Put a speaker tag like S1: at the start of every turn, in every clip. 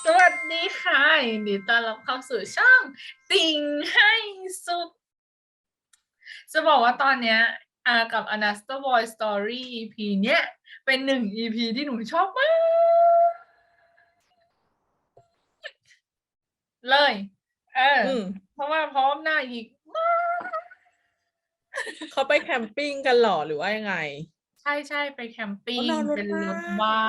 S1: สวัสดีค่ะยินดีต้อนรับเข้าสู่ช่องติ่งให้สุดจะบอกว่าตอนเนี้ยกับ Another Boy Story EP เนี้ยเป็นหนึ่ง EP ที่หนูชอบมากเลยเพราะว่าพร้อมหน้าอีก
S2: เขาไปแคมปิ้งกันหรอหรือว่ายังไง
S1: ใช่ไปแคมปิ้งเป็นรถบ้าน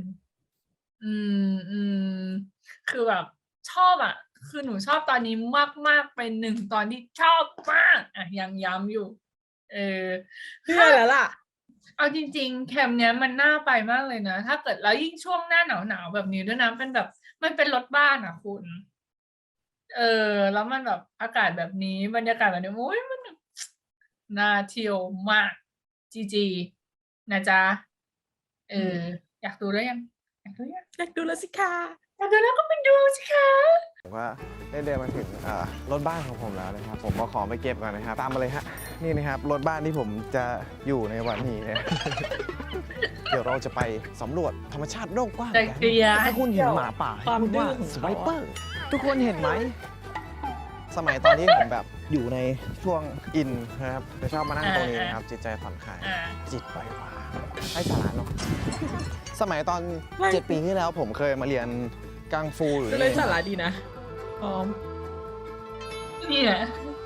S1: คือแบบชอบอ่ะ คือหนูชอบตอนนี้มากๆเป็นหนึ่งตอนที่ชอบมากอ่ะยังย้ำอยู่
S2: เชื่อแล้วล่ะ
S1: เอาจริงๆแคมป์เนี้ยมันน่าไปมากเลยนะถ้าเกิดแล้วยิ่งช่วงหน้าหนาวๆแบบนี้ด้วยนะเป็นแบบมันเป็นรถบ้านอ่ะคุณแล้วมันแบบอากาศแบบนี้บรรยากาศแบบนี้โอ้ยมันน่าเที่ยวมากจีนะจ๊ะอยากดูแล้วยังอยากดู
S2: แล้วสิค่ะ
S1: อยากดูแล้วก็ไปดูสิคะ
S3: ผมว่าได้เดินมาถึงรถบ้านของผมแล้วนะครับผมมาขอไปเก็บก่อนนะครับตามมาเลยฮะนี่นะครับรถบ้านที่ผมจะอยู่ในวันนี้เนี่ย เดี๋ยวเราจะไปสำรวจธรรมชาติโลกกว้างกันถ้าคุณเห็นหมาป่าให้พูดว่าสไวเปอร์ทุกคนเห็นไหมสมัยตอนที่ผมแบบอยู่ในช่วงอินนะครับจะชอบมานั่งตรงนี้นะครับจิตใจผ่อนคลายจิตปล่อยวางให้สาระเนาะสมัยตอน7 ปีที่แล้วผมเคยมาเรียนกังฟูอยู่
S2: เลยสาระดีนะพร้อม
S1: นี่แหละ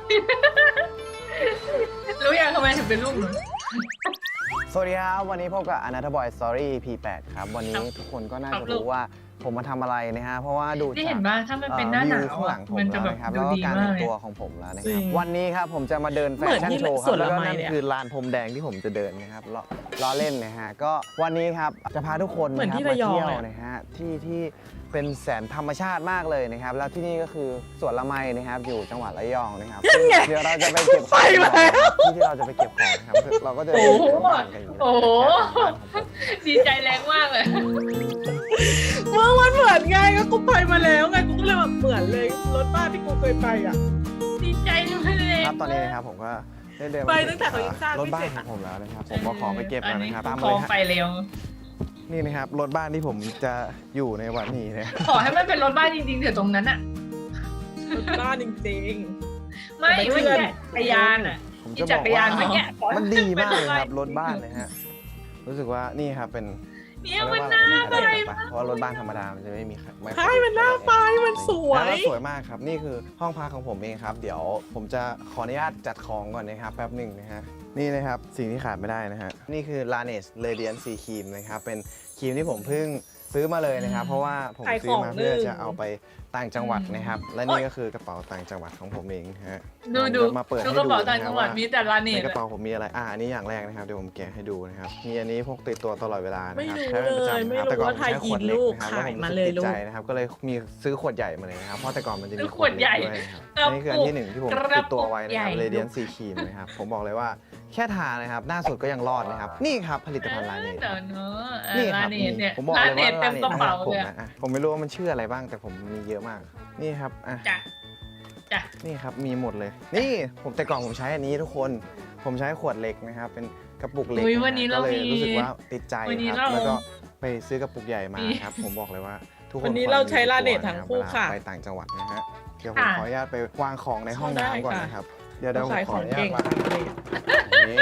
S1: รู้ยังทำไมถึงเป็นลูกหนู
S3: สวัสดีครับวันนี้พบกับ Another Boy Story EP 8 ครับวันนี้ทุกคนก็น่าจะรู้ว่าผมมาทำอะไรนะฮะเพราะว่าดู
S1: ที่เห็นว่าถ้ามันเป็นหน้าหนาว
S3: ข้างหลังผมแล้วนะครับแล้วก็การแต่งตัวของผมแล้วนะครับวันนี้ครับผมจะมาเดินแฟชั่นโชว์ครับแล้วก็นั่นคือลานพรมแดงที่ผมจะเดินนะครับล้อเล่นนะฮะก็วันนี้ครับจะพาทุกคนนะครับมาเที่ยวนะฮะที่เป็นแสนธรรมชาติมากเลยนะครับแล้วที่นี่ก็คือสวนละไมนะครับอยู่จังหวัดระยองนะครับเดี๋ยวเราจะไปเก็บของที่เราจะไปเก็บของนะครับเราก็จะ
S1: โอ้โหดีใจแรงมากเลย
S2: เมื่อวันเหมือนไงก็กูไปมาแล้วไงกูก็เลยแบบเหมือนเลยรถบ้านที่กูเคยไปอ่ะ
S1: ดีใจเลย
S3: ครับตอนนี้นะครับผมก็ได้เดิน
S2: ไปตั้งแต่เขายังสร้าง
S3: รถบ้านของผมแล้วนะครับผมมาขอไปเก็บแล้วนะครับตามมาเลย
S1: ไปเร็ว
S3: นี่นะครับรถบ้านที่ผมจะอยู่ในวันนี้เนี่ย
S1: ขอให้มันเป็นรถบ้านจริงๆเถอะตรงนั้นอะ
S2: รถบ้านจริง
S1: ๆไม่ใช่จักรยานอะ
S3: ผมจะบอกว่ามันดีมากเลยครับรถบ้านเลยฮะรู้สึกว่านี่ครับเป็น
S1: เนี่ยมันน่าไป
S3: เพราะรถบ้านธรรมดามันจะไม่มี
S2: ใช่มันน่าไปมันสวย
S3: สวยมากครับนี่คือห้องพักของผมเองครับเดี๋ยวผมจะขออนุญาตจัดของก่อนนะครับแป๊บหนึ่งนะฮะนี่นะครับสิ่งที่ขาดไม่ได้นะฮะนี่คือ Laneige Radiant C Cream นะครับเป็นครีมที่ผมเพิ่งซื้อมาเลยนะครับเพราะว่าผมซื้อมาเพื่อจะเอาไปต่างจังหวัดนะครับและนี่ก็คือกระเป๋าต่างจังหวัดของผมเองฮะ
S1: ดู
S3: มาเปิดให้
S1: ดูกระเป๋าต่างจังหวัดมีแต่ลาเน
S3: ในกระเป๋าผมมีอะไรอันนี้อย่างแรกนะครับเดี๋ยวผมแกะให้ดูนะครับมีอันนี้พกติดตัวตลอดเวลานะครับ
S2: ใช้เป็นประจำนะครับแต่ก่อน
S3: ใช้ขวดเล็กนะครับแล้วผมติดใจนะครับก็เลยมีซื้อขวดใหญ่มาเลยนะครับเพราะแต่ก่อนมันจะมี
S1: ขวดใหญ่
S3: ด้วยนะครับนี่คืออันที่1ที่ผมติดตัวไว้นะครับ Radiant C Cream นะครับผมบอกเลยว่าแค่ทานะครับหน้าสุดก็ยังรอดนะครับนี่ครับผลิตภัณฑ์ลาเนจนี่ครับผมบอกเลยว่าลาเนจผมไม่รู้ว่ามันชื่ออะไรบ้างแต่ผมมีเยอะมากนี่ครับนี่ครับมีหมดเลยนี่ผมแต่ก่อนผมใช้อันนี้ทุกคนผมใช้ขวดเล็กนะครับเป็นกระปุกเล็กก็เลยรู้สึกว่าติดใจครับแล้วก็ไปซื้อกระปุกใหญ่มาครับผมบอกเลยว่าทุกคน
S2: วันนี้เราใช้ลาเนจทั้งคู่ค่ะ
S3: ไปต่างจังหวัดนะฮะเดี๋ยวผมขออนุญาตไปวางของในห้องน้ำก่อนนะครับเดี๋ยวผมขออนุญาตวางนี่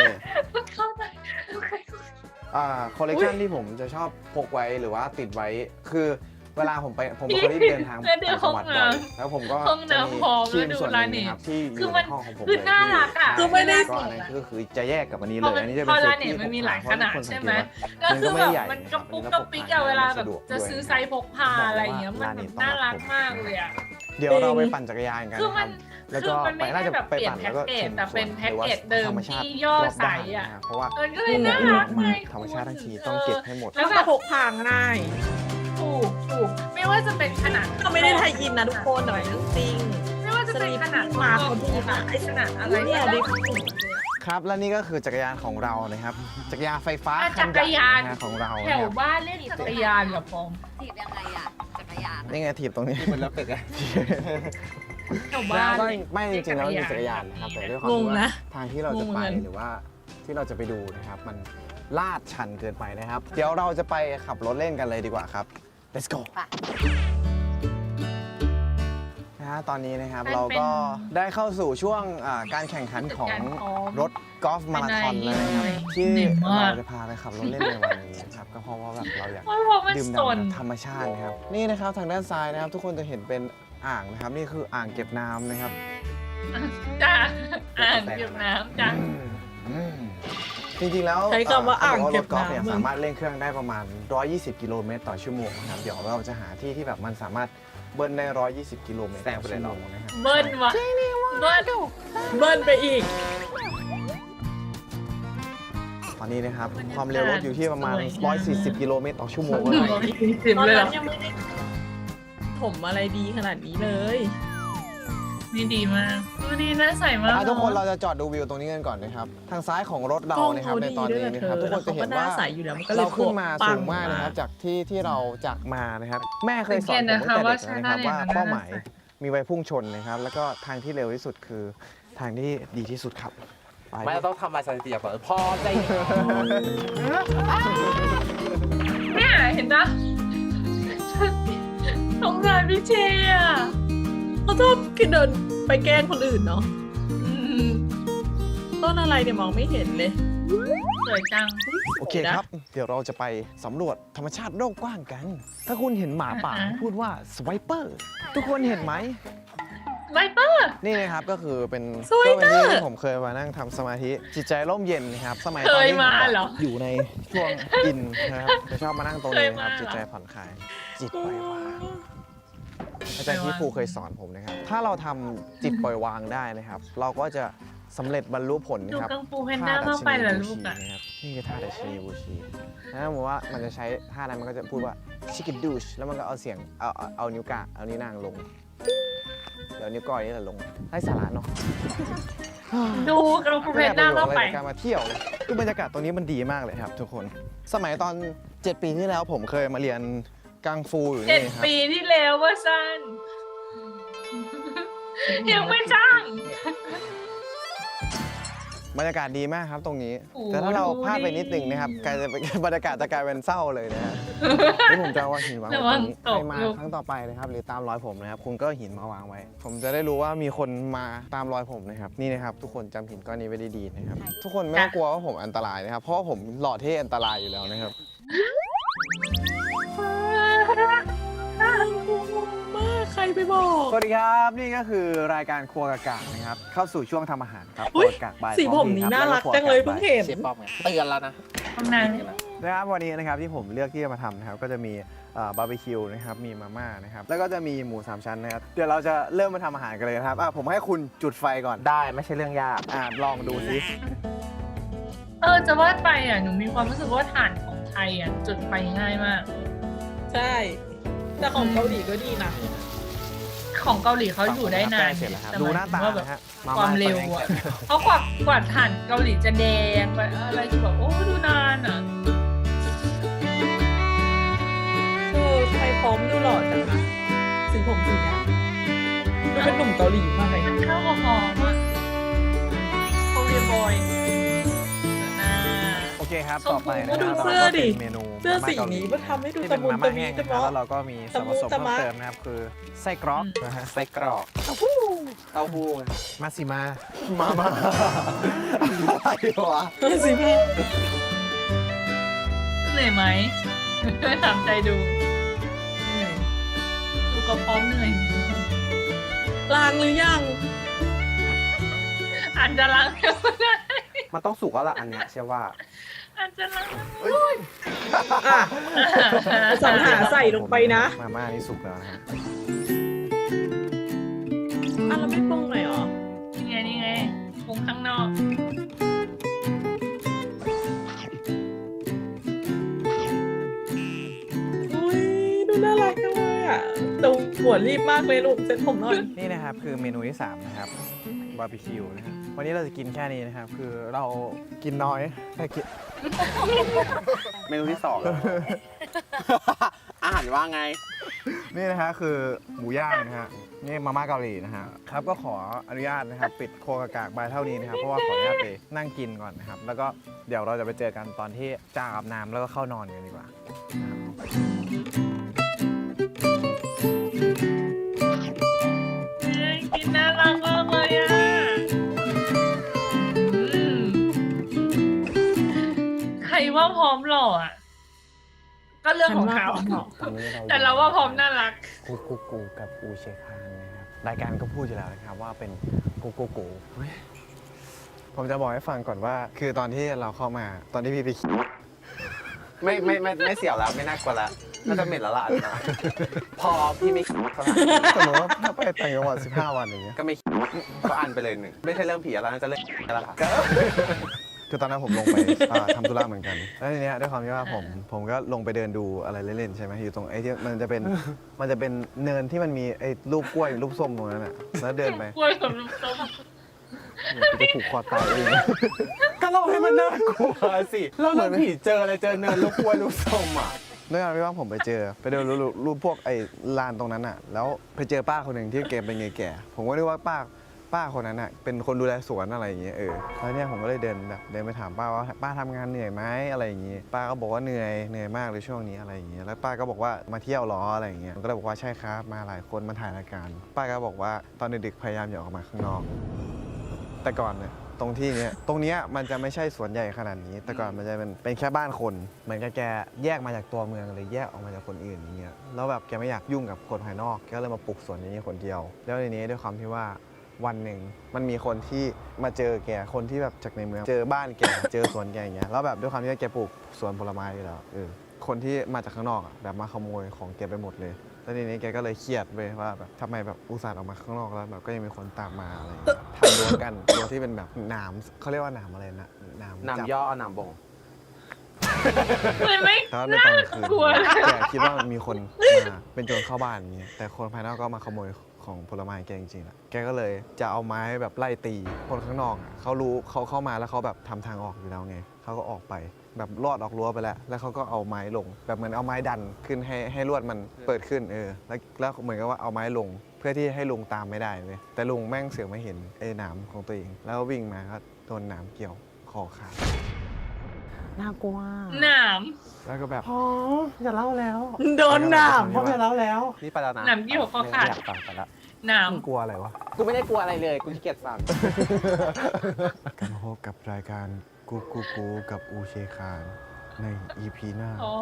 S3: คอลเลกชันที่ผมจะชอบพกไว้หรือว่าติดไว้คือเวลาผมเป็นคนที่เดินทางต่างจังหวัดบ่อยแล้วผมก็จะมีครีมส่วนนึงครับที่อยู่ในห้องของผมเลย
S1: น่ารักอ่ะ
S2: คือไม่ได้
S3: ก็อันนี้ก็คือจะแยกกับอันนี้เลยอันนี้จะเป็นเซตที่
S1: มันมีหลายขนาดใช่ไหมก็คือแบบมันกระปุกกระปิกเวลาแบบจะซื้อไซส์พกพาอะไรอย่างเงี้ยมันน่ารักมากเลยอ่ะ
S3: เดี๋ยวเราไปปั่นจักรยานกันนะครับแล้วก็ไปน่าจะไปปั่นแล้วก็ชม
S1: แต่เป็นแพ็กเกจเดิมที่ย่อใสอ่ะ
S3: เพราะว่า
S1: ก็เลยน่ารักเลย
S3: ธรรมชาติทั้งทีต้องเก็บให้หมด
S2: แล้วก็พกพาง่าย
S1: ถูกไม่ว่าจะเป็นขนาด
S2: ก็ไม่ได้ไทยอินนะทุกคนแต่เรื่องจริง
S1: ไม่ว่าจะเป็นขนาด
S2: มาเขาดูนะ
S1: ไอขนาดอะไร
S2: เนี่ยดิ
S3: ครับและนี่ก็คือจักรยานของเรานะครับจักรยานไฟฟ้า
S1: จักรยาน
S3: ของเรา
S1: แถวบ้านเล่นจักรยานเหรอพอม
S4: ถีบยังไงอะจักรยาน
S3: นี่ไงถีบตรงนี้
S2: มันแล้วเป็ดอะ
S1: แถวบ้าน
S3: ไม่จริงๆแล้วมีจักรยานนะครับแต่ด้วยความที่ว่าทางที่เราจะไปหรือว่าที่เราจะไปดูนะครับมันลาดชันเกินไปนะครับเดี๋ยวเราจะไปขับรถเล่นกันเลยดีกว่าครับ let's go ตอนนี้นะครับ
S1: มันเป็น
S3: เราก็ได้เข้าสู่ช่วงการแข่งขันของ
S1: การซ้อม
S3: รถกอล์ฟมาราธอนแล้วนะครับ
S1: เป็นไง
S3: ที่
S1: เหนื่อยมาก
S3: เราจะพาไปขับรถเล่นในวันนี้นะครับก็เพราะว่าแบบเราอยาก
S1: เพราะว่ามัน
S3: ดื่ม
S1: ส
S3: ด่ำ
S1: น
S3: กับธรรมชาตินะครับนี่นะครับทางด้านซ้ายนะครับ ทุกคนจะเห็นเป็นอ่างนะครับ นี่คืออ่างเก็บน้ำนะครับ
S1: จ้าอ่างเก็บน้ำจ้า
S3: จริงๆแล้ว
S2: ใช้คำว่าอ่างเก็บ
S3: รถกอล์ฟเนี่ย
S2: น้ำ
S3: สามารถเร่งเครื่องได้ประมาณ 120 กิโลเมตรต่อชั่วโมงนะครับเดี๋ยวเราจะหาที่ที่แบบมันสามารถเบิ้ลได้ 120 กิโลเมตรต่อชั่วโมงนะครับ
S1: เบิ้ลวะเบิ้ล
S2: เบิ้ลไปอีก
S3: ตอนนี้นะครับความเร็วรถอยู่ที่ประมาณ 140 กิโลเมตรต่อชั่วโมง
S1: หนึ่ง
S3: เลย
S1: ร้อยสี่สิบ
S2: ตอน
S1: เลยเหร
S2: นั้
S1: อน
S2: ยังไม่ได้ถมอะไรดีขนาดนี้เลย
S1: นี่ดีมากดูดีน่าใส่มาก
S3: ทุกคนเราจะจอดดูวิวตรงนี้กันก่อนนะครับทางซ้ายของรถเรานะครับในตอนนี้นะครับทุกคนจะเห็นว่า
S2: ใสอยู่แล้วมันก็เลย
S3: เราขึ้นมา
S2: ปั
S3: สู
S2: ง
S3: งมากนะครับจากที่เราจากมานะครับแม่เคยสอน
S1: สังเกต
S3: ผม
S1: นะคะ
S3: ตั้งแต่
S1: ว่า
S3: เด็กนะครับ
S1: ใช่
S3: ว่า
S1: ได้
S3: เป้าหมาย
S1: ได้
S3: มีไว้พุ่งชนนะครับแล้วก็ทางที่เร็วที่สุดคือทางที่ดีที่สุดครับไป
S5: ไม่ต้องทำลายสถิติก่อนพอใจ
S1: เนี่ยเห็นปะสงสารพี่เชยอ่ะ
S2: เขาชอบเดินไปแกล้งคนอื่นเนาะ
S1: อืม
S2: ต้นอะไรเนี่ยมองไม่เห็นเลย
S1: สวยจัง
S3: โอเคครับเดี๋ยวเราจะไปสำรวจธรรมชาติโลกกว้างกัน ถ้าคุณเห็นหมาป่าพูดว่าสไวเปอร์ทุกคนเห็นไหม
S1: ไวเปอร์
S3: นี่นะครับก็คือเป็น
S2: สไวเปอร์
S3: ก็เป็นที่ผมเคยมานั่งทำสมาธิจิตใจร่มเย็นนะครับสมัยตอนที่ผมอยู่ในช่วงอินนะครับจะชอบมานั่งตรงนี้นะครับจิตใจผ่อนคลายจิตปล่อยวางอาจารย์ที่ครูเคยสอนผมนะครับถ้าเราทำจิตปล่อยวางได้นะครับ เราก็จะสำเร็จบรรลุผล
S1: ดู
S3: นะครับ
S1: กังฟูแพนด้ามากไปเหรอลูกอ่ะ
S3: นะครับนี่คือท่าดัชนีบูชีนะสมมติว่ามันจะใช้ท่านั้นมันก็จะพูดว่าชิคกี้ดูชแล้วมันก็เอาเสียงเอานิ้วกลางเอานิ้วนางลงเดี๋ยวนิ้วก้อยนี่แหละลงไร้สาระเนาะ
S1: ดูกังฟูแพนด้ามากไป
S3: ม่ด้ประโยชน์อะไรจากการมาเที่ยวเลยคือบรรยากาศตรงนี้มันดีมากเลยครับทุกคน สมัยตอน 7 ปีที่แล้วผมเคยมาเรียนกังฟูอยู่
S1: เจ็ด
S3: นี่ครับ
S1: ปีที่แล้วว่าสั้นยังไม่จ้าง
S3: บรรยากาศดีมากครับตรงนี้
S1: โอ้
S3: แต่ถ้าเรา
S1: ดู
S3: พลาดไป
S1: ดิ
S3: นิดหนึงนะครับกลายจะเป็น บรรยากาศจะกลายเป็นเศร้าเลยนะฮะ นี่ผมจะเอาหินวางไว้
S1: ระ
S3: ต
S1: วั
S3: รง งนี้
S1: ตก
S3: ใครมา
S1: ลูก
S3: ครั้งต่อไปนะครับหรือตามรอยผมนะครับคุณก็เอาหินมาวางไว้ ผมจะได้รู้ว่ามีคนมาตามรอยผมนะครับนี่นะครับทุกคนจำหินก้อนนี้ไว้ดีๆนะครับทุกคนไม่ต้องกลัวว่าผมอันตรายนะครับเพราะว่าผมหล่อเท่อันตรายอยู่แล้วนะครับ
S2: มากใครไปบอก
S3: สวัสดีครับนี่ก็คือรายการครัวกากๆนะครับเข้าสู่ช่วงทำอาหารครับ
S2: อุ๊ย
S3: ครัวกากบาย
S2: สีผมนี้น่ารักจังเลยเพิ่งเห็น
S5: เชฟป้อมไงเตือนแล้วนะ
S1: ข้างใน
S3: นะครับวันนี้นะครับที่ผมเลือกที่จะมาทำนะครับก็จะมีบาร์บีคิวนะครับมีมาม่านะครับแล้วก็จะมีหมู3ชั้นนะครับเดี๋ยวเราจะเริ่มมาทำอาหารกันเลยนะครับผมให้คุณจุดไฟก่อน
S5: ได้ไม่ใช่เรื่องยาก
S3: ลองดูสิ
S1: จะว่าไปอ่ะหนูมีความรู้สึกว่าถ่านของไทยอ่ะจุดไฟง่ายมาก
S2: ใช่ แต่ของเกาหลีก็ดีนะ
S1: ของเกาหลีเขาอยู่ได้นาน
S3: เสร็จแล้วครับ
S1: แต่
S3: ดู
S1: มย
S3: หน้าตา
S1: ถึงว่าแบบ
S3: นะฮะ
S1: ความเร็วอ่ะเพราะกว่าถ่านเกาหลีจะแดงไปอะไรจะแบบโอ้ดูนานอ่ะ
S2: ทำไมพร้อมดูหล่อจังนะสีผมสีเนี้ยดูเป็นหนุ่มเกาหลีมากเลย
S1: มันเข้ากับหอมอ่ะโคเรียบอยหน้า
S3: โอเคครับ
S1: ส้ม
S3: ต่อไปนะค
S2: ดู
S3: รับ
S2: เสื้อดิ
S3: ราก็เป็นเมนู
S2: เสื้อสี
S3: มาม่าเกาหลี
S2: นี้มันทำให้ดู
S3: ที่
S2: ตะ
S3: เป็น
S2: มุน
S3: มา
S2: ตะ
S3: ม่า
S2: มี
S3: แห้ง
S2: ตะ
S3: นะครับ
S2: เมาะ
S3: แล้วเราก็มีส่วนผสม
S2: ตะมุ
S3: เพิ่ม
S2: ตะมะ
S3: เติมนะครับคือไส้กรอกนะฮะ
S5: ไส้กรอกเต้าหู้
S3: มาสิมาอะไรวะ
S2: สีแม่
S1: เหนื่อยไหม ถามใจดูดูก็พร้อมเหนื่อย
S2: ล้างหรือยัง
S1: อาจจะล้างก็ได้
S5: มันต้องสุกแล้วล่ะอันเนี้ยเชื่อว่า
S1: อาจจะล้าง
S2: อ่ะสรรหาใส่ลงไปนะ
S3: มาม่านี่สุกแล้วนะฮะ
S2: อ่ะเราไม่ปรุงหน่อยเหรอ
S1: นี่ไงปรุงข้างนอก
S2: อุ้ยดูน่ารักจังเลยอ่ะแต่หัวรีบมากเลยลูกเซ็ตผมหน่อย
S3: นี่นะครับคือเมนูที่ 3 นะครับบาร์บีคิวนะครับวันนี้เราจะกินแค่นี้นะครับ คือเรากินน้อยแต่กิน
S5: เมนูที่2 อาหารว่าไง
S3: นี่นะฮะคือหมูย่างนะฮะนี่มาม่าเกาหลีนะฮะครับก็ขออนุญาตนะครับปิดโคกากบายเท่านี้นะครับเพราะว่าขออนุญาตไปนั่งกินก่อนนะครับแล้วก็เดี๋ยวเราจะไปเจอกันตอนที่จ้างอาบน้ำแล้วก็เข้านอนกันดีกว่านะครับ
S1: ล่ออ่ะ ก็เรื่องของเขา
S2: ฉันว่า
S3: ตอนนี้
S1: แต่เราว่าพร้อมน่ารัก
S3: กูกับอูเชคานนะครับรายการก็พูดอยู่แล้วนะครับว่าเป็นกูเฮ้ยผมจะบอกให้ฟังก่อนว่า คือตอนที่เราเข้ามาตอนที่พี่ไป
S5: ไม่เสี่ยวแล้วไม่น่ากลัวแล้วน่าจะเหม็นแล้วล่ะอันนะพอพี่ไม่เท่าไหร่
S3: สมมติว่าถ้าไปต่างจังหวัด15 วันอย่างเงี้ย
S5: ก็ไม่ก็อันไปเลยหนึ่งไม่ใช่เรื่องผีแล้วน่าจะเรื่องแล้วค่ะ
S3: คือตอนนั้นผมลงไปทำธุระเหมือนกัน แล้วทีเนี้ยด้วยความที่ว่าผมก็ลงไปเดินดูอะไรเล่นๆใช่ไหมอยู่ตรงไอ้ที่มันจะเป็นเนินที่มันมีไอ้รูปกล้วยรูปส้มตรงนั้นอ่ะแล้วเดินไป
S1: กล้วยกับลูกส้ม
S3: กูจะผูกคอตายเอง
S5: ก็เราให้มันน่ากลัวสิเราเรื่องผีเจออะไรเจอเนินลูกกล้วยลูกส้มอ่ะ
S3: ด้วยความที่ว่าผมไปเดินรูปพวกไอ้ลานตรงนั้นอ่ะแล้วไปเจอป้าคนหนึ่งที่แกเป็นไงแก่ผมก็นึกว่าป้าคนนั้นอ่ะเป็นคนดูแลสวนอะไรอย่างเงี้ยแล้วเนี่ยผมก็เลยเดินไปถามป้าว่าป้าทำงานเหนื่อยไหมอะไรอย่างงี้ป้าก็บอกว่าเหนื่อยมากเลยช่วงนี้อะไรอย่างเงี้ยแล้วป้าก็บอกว่ามาเที่ยวล้ออะไรอย่างเงี้ยผมก็เลยบอกว่าใช่ครับมาหลายคนมาถ่ายรายการป้าก็บอกว่าตอนดึกๆพยายามอย่าออกมาข้างนอกแต่ก่อนเนี่ยตรงเนี้ยมันจะไม่ใช่สวนใหญ่ขนาดนี้ แต่ก่อนมันจะเป็นแค่บ้านคนเหมือนกับแกแยกมาจากตัวเมืองเลยแยกออกมาจากคนอื่นอย่างเงี้ยแล้วแบบแกไม่อยากยุ่งกับคนภายนอกแกก็เลยมาปลูกสวนนี้คนเดียวแล้วทีนี้ด้วยความที่ว่าวันหนึ่งมันมีคนที่มาเจอแกคนที่แบบจากในเมืองเจอบ้านแก เจอสวนแกอย่างเงี้ยแล้วแบบด้วยความที่ว่าแกปลูกสวนผลไม้อยู่แล้วคนที่มาจากข้างนอกอะแบบมาขโมยของแกไปหมดเลยแล้วทีนี้แกก็เลยเครียดเว้ยว่าแบบทำไมแบบอุตส่าห์ออกมาข้างนอกแล้วแบบก็ยังมีคนตามมาอะไรอย่างเงี้ยทำรั้วกันรั้วที่เป็นแบบหนามเขาเรียกว่าหนามอะไรนะหนามจับ
S5: น้ำย่อเอาน้ำบ่ง
S1: เลยไม่
S3: แล้วในตอนกลางคืน
S1: กลัวเลย
S3: แกคิดว่ามีคนมาเป็นโจรเข้าบ้านอย่างเงี้ยแต่คนภายนอกก็มาขโมยของผลไม้แกจริงๆแหละแกก็เลยจะเอาไม้แบบไล่ตีคนข้างนอกอะเขารู้เขาเข้ามาแล้วเขาแบบทำทางออกอยู่แล้วไงเขาก็ออกไปแบบลอดออกรั้วไปแล้วเขาก็เอาไม้ลงแบบเหมือนเอาไม้ดันขึ้นให้ลวดมันเปิดขึ้นแล้วเหมือนกับว่าเอาไม้ลงเพื่อที่ให้ลุงตามไม่ได้เลยแต่ลุงแม่งเสือกไม่เห็นไอ้หนามของตัวเองแล้ววิ่งมาก็โดนหนามเกี่ยวคอขาด
S5: น่ากลัว
S1: หนาม
S3: แล้วก็แบบ
S5: พอจะเล่าแล้ว
S2: โดนหนาม
S5: พอจะเล่าแล้วนี่ไปแล้วนะ
S1: หนามที่หัวข้อขาด
S5: อยากฟังไปแล้ว
S1: หนาม
S3: กลัวอะไรวะ
S5: กูไม่ได้กลัวอะไรเลยกูขี้เกียจฟัง
S3: กลับมาพบกับรายการกูกับอูเชคานใน EP หน้า
S1: อ๋อ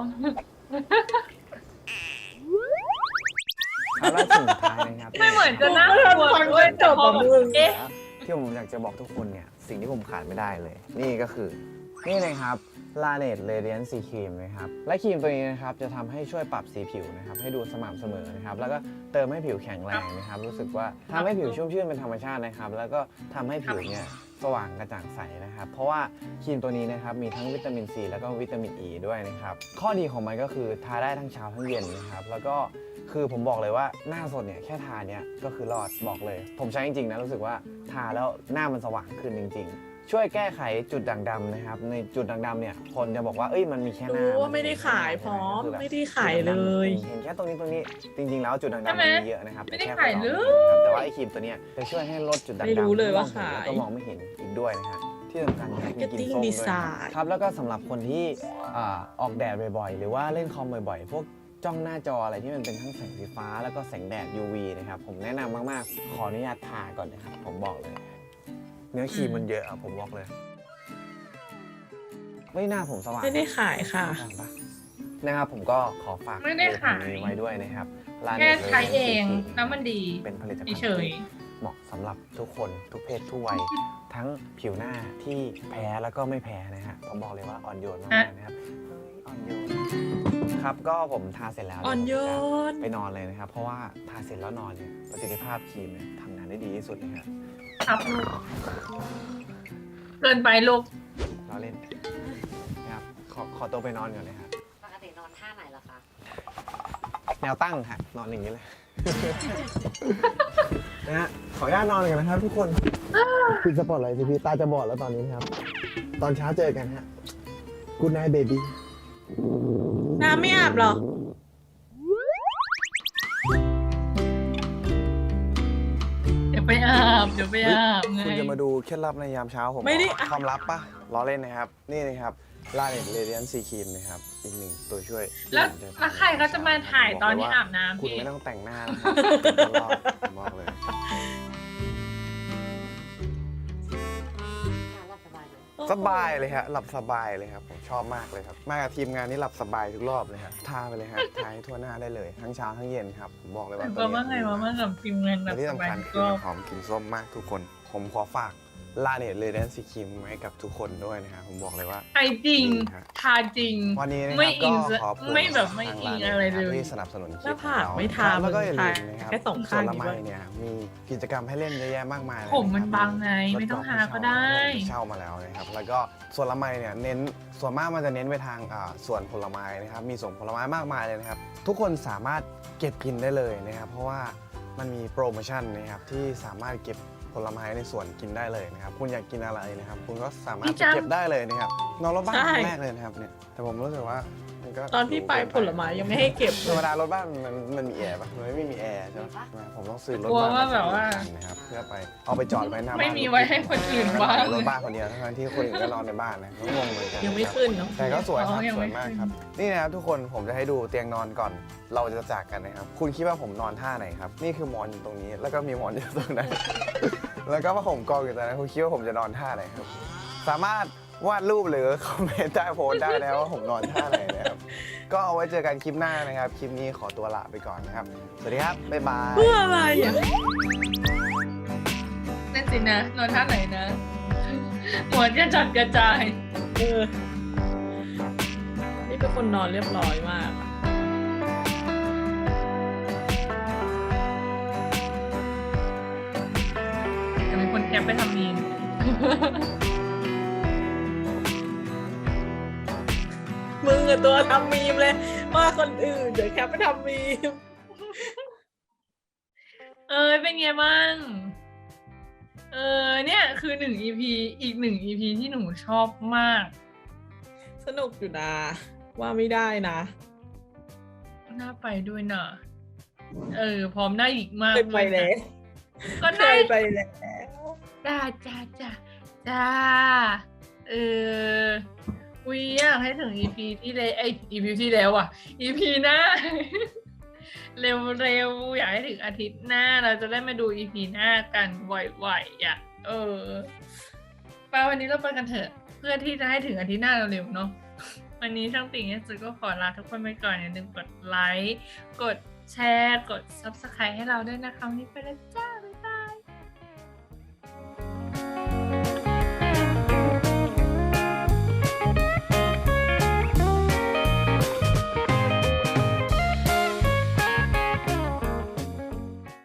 S6: เอาล่ะสุดท้ายนะครับ
S1: ไม่เหมือนจะน่ากลัวด้วยแต่พอแบบเอ๊ะ
S6: ที่ผมอยากจะบอกทุกคนเนี่ยสิ่งที่ผมขาดไม่ได้เลย นี่ก็คือนี่เลยครับ Laneige Radiant Sea Cream นะครับและครีมตัวนี้นะครับจะทำให้ช่วยปรับสีผิวนะครับให้ดูสม่ำเสมอนะครับแล้วก็เติมให้ผิวแข็งแรงนะครับรู้สึกว่าทำให้ผิวชุ่มชื่นเป็นธรรมชาตินะครับแล้วก็ทำให้ผิวเนี่ยสว่างกระจ่างใสนะครับเพราะว่าครีมตัวนี้นะครับมีทั้งวิตามินซีแล้วก็วิตามินอ e ีด้วยนะครับข้อดีของมันก็คือทาได้ทั้งเช้าทั้งเย็นนะครับแล้วก็คือผมบอกเลยว่าหน้าสดเนี่ยแค่ทาเนี่ยก็คือรอดบอกเลย ผมใช้จริงๆนะรู้สึกว่าทาแล้วหน้ามันสว่างขึ้นจริงๆ ช่วยแก้ไขจุดด่างดำนะครับในจุดด่างดำเนี่ยคนจะบอกว่าเอ้ยมันมีแค่หน้า
S2: รู้ว่าไม่ได้ขายพร้อมไม่ได้ขายเลย
S6: เห็นแค่ตรงนี้จริงๆแล้วจุดด่างดำมันมีเยอะนะครับ
S1: ไม่ได้
S6: แต่แค่
S1: ขายเลย
S6: นะครับแต่ว่าไอ้ครีมตัวเนี้ยจะช่วยให้ลดจุดด่างดำ
S2: ไม่รู้เลยว่าขาย
S6: แล้วก็มองไม่เห็นอีกด้วยนะฮะที่สำคัญมีกลิ่น
S2: Marketing
S6: ส้มด้วยนะ
S2: Design
S6: ครับแล้วก็สำหรับคนที่ออกแดดบ่อยๆ หรือว่าเล่นคอมบ่อยๆ พวกจ้องหน้าจออะไรที่มันเป็นทั้งแสงสีฟ้าแล้วก็แสงแดด UV นะครับผมแนะนำมากๆ ขออนุญาตทาก่อนนะครับผมบอกเลย เนื้อครีมมันเยอะอะผมบอกเลยไม่หน้าผมสว่าง
S2: ไม่ได้ขายค่ะ
S6: นะครับผมก็ขอฝาก
S1: ไม่ได้ขาย
S6: นี้ไว้ด้วยนะครับ Laneige
S1: แค่ใช้เอง
S6: Radiant Sea Cream
S1: แล้วมันดี
S6: เป็นผลิตภัณฑ์
S1: เฉย
S6: ที่เหมาะสำหรับทุกคนทุกเพศทุกวัย ทั้งผิวหน้าที่แพ้แล้วก็ไม่แพ้นะฮะผมบอกเลยว่าอ่อนโยนมากๆนะครับเฮ้ยอ่อนโยนครับก็ผมทาเสร็จแล้ว
S2: อ่อนโยน
S6: ไปนอนเลยนะครับ เพราะว่าทาเสร็จแล้วนอนเนี่ยประสิทธิภาพครีมเนี่ยทำงานได้ดีที่สุดนะครับ
S1: ครับลูกเกินไปลูก
S6: เราเล่นนะครับขอตัวไปนอนก่อนนะครับ
S4: ปกตินอนท่าไหนล่ะคะ
S6: แนวตั้งค่ะนอนอย่างนี้เลย นะฮะขออนุญาตนอนกันนะครับทุกคนปิดสปอตไลท์สิพี่ตาจะบอดแล้วตอนนี้นะครับ ตอนเช้าเจอกันฮะ Good night baby
S2: น้ำไม่อาบเหรอ
S1: เดี๋ยวไปอาบไง
S3: คุณจะมาดูเคล็ดลับในยามเช้าผม
S2: ไม่ได้
S3: ความลับปะล้อเล่นนะครับ นี่นะครับ Laneige Radiant Sea Cream นะครับ อีกหนึ่งตัวช่วย
S1: แล้วใครเขาจะมาถ่ายตอนที่อาบน้ำ
S3: คุณ
S1: พี่
S3: ไม่ต้องแต่งหน้านะครับเป็นรอบผมบอกเลย
S4: นอนหลับสบายไหม
S2: โอ้
S3: สบายเลยฮะหลับสบายเลยครับผมชอบมากเลยครับมากับทีมงานนี่หลับสบายทุกรอบเลยครับทาไปเลยฮะทาให้ทั่วหน้าได้เลยทั้งเช้าทั้งเย็นครับผมบอกเลยว่า
S1: ก็ว่าไงว่ากับทีมงานแบ
S3: และ
S1: บ
S3: ที่
S1: ส
S3: สำ
S1: บาย
S3: คัญคือ
S1: ก็
S3: มันหอมกลิ่นส้มมากทุกคน ผมขอฝากลาเนตเลยแดนซีครีมไว้กับทุกคนด้วยนะครับผมบอกเลยว่า
S1: ไอจริง
S3: ดีครับ
S1: ทาจริง
S3: วันนี้นะค
S1: ไม่
S3: รับ
S1: อิ
S3: ก็
S1: ง
S3: ขอบคุณ
S1: ไม่แบบไม่อิงอะไรเลย
S3: ที่สนับสนุนค
S2: ห
S3: ลิ
S2: น้า
S3: ป
S2: ผากไม่ทา
S3: แล้วก็อย่าลืม
S2: มึง
S3: นะครับ
S2: แค่สอง
S3: ส่
S2: ข้า
S3: วน
S2: ง
S3: ละ
S2: ดี
S3: ไม
S2: กว่า
S3: เนี่ยมีกิจกรรมให้เล่นเยอะแยะมากมายเลย
S1: ผมมัน
S3: ะครับ
S1: บางไงไม่ต้องทาก็ได้
S3: เช่ามาแล้วนะครับแล้วก็ส่วนละไมเนี่ยเน้นส่วนมากมันจะเน้นไปทางส่วนผลไม้นะครับมีส่วนผลไม้มากมายเลยนะครับทุกคนสามารถเก็บกินได้เลยนะครับเพราะว่ามันมีโปรโมชั่นนะครับที่สามารถเก็บผลไม้ในสวนกินได้เลยนะครับคุณอยากกินอะไรนะครับคุณก็สามารถ
S1: พี่
S3: ไป
S1: จ๊ะ
S3: เก็บได้เลยนะครับนอนรถบ้าน
S2: ใช่
S3: ครั้งแรกเลยนะครับเนี่ยแต่ผมรู้สึกว่ามันก็
S2: ตอนที่ไปผลไม้ยังไม่ให้เก็บ
S3: ธรรมดารถบ้านมันมีแอร์ปะมันไม่มีแอร์ใช่ไหมผมต้องซื้อรถ
S1: กลัว
S3: บ้าน
S1: ว่าแบบว่า
S3: นะครับเพื่อไปเอาไปจอดไว้หน้าบ้าน
S1: ไม่มีไว้ให้คนอื่นบ้าง
S3: รถบ้านคนเดียวทั้งที่คนอื่นก็นอนในบ้านนะก็งงเหมือนกัน
S2: ยังไม่
S3: ครับ
S2: ขึ้นเนาะ
S3: แต่ก็สวยครับ
S1: อ๋อยัง
S3: ส
S1: ไม่
S3: วยมาก
S1: ขึ้น
S3: ครับ นี่นะครับทุกคนผมจะให้ดูเตียงนอนก่อน เราจะจากกันนะครับ คุณคิดว่าผมนอนท่าไหนครับ นี่คือหมอนอยู่ตรงนี้ แล้วก็มีหมอนอยู่ตรงนั้น แล้วก็ผ้าห่มกองอยู่ตรงนั้นคุณคิดว่าผมจะนอนท่าไหนครับ สามารถวาดรูปหรือคอมเมนต์ใต้โพสต์ได้นะครับว่าผมนอนท่าไหนนะครับ ก็เอาไว้เจอกันคลิปหน้านะครับ คลิปนี้ขอตัวลาไปก่อนนะครับ สวัสดีครับ บ๊ายบาย
S2: เพื่ออะไรอ่ะ
S1: นั่นสินะนอนท่าไหนนะ หัวจะจัดกระจาย
S2: เออ นี่เป็นคนนอนเรียบร้อยมาก
S1: จะมีคนแคปไปทำมีน
S2: มึงกับตัวทำมีมเลยว่าคนอื่นเดี๋ยวแคปไปทำมีม
S1: เป็นไงบ้าง เนี่ยคือ1 EP อีก1 EP ที่หนูชอบมาก
S2: สนุกอยู่นะ ว่าไม่ได้นะ
S1: น่าไปด้วยนะพร้อมได้อีกมาก
S2: เคยไปแล้ว
S1: ก็
S2: เค
S1: ได้
S2: ยไปแล้ว
S1: จ้าอุ้ยอยากให้ถึง EP ที่แล้วEP ที่แล้วอ่ะ EP หน้า เร็วๆอยากให้ถึงอาทิตย์หน้าเราจะได้มาดู EP หน้ากันไหวๆอ่ะไปวันนี้เราไปกันเถอะ เพื่อที่จะให้ถึงอาทิตย์หน้าเร็วๆเนาะวันนี้ช่างติ่งเนี่ยก็ขอลาทุกคนไปก่อนอย่าลืมกดไลค์กดแชร์กด Subscribe ให้เราด้วยนะคะวันนี้ไปแล้วจ้า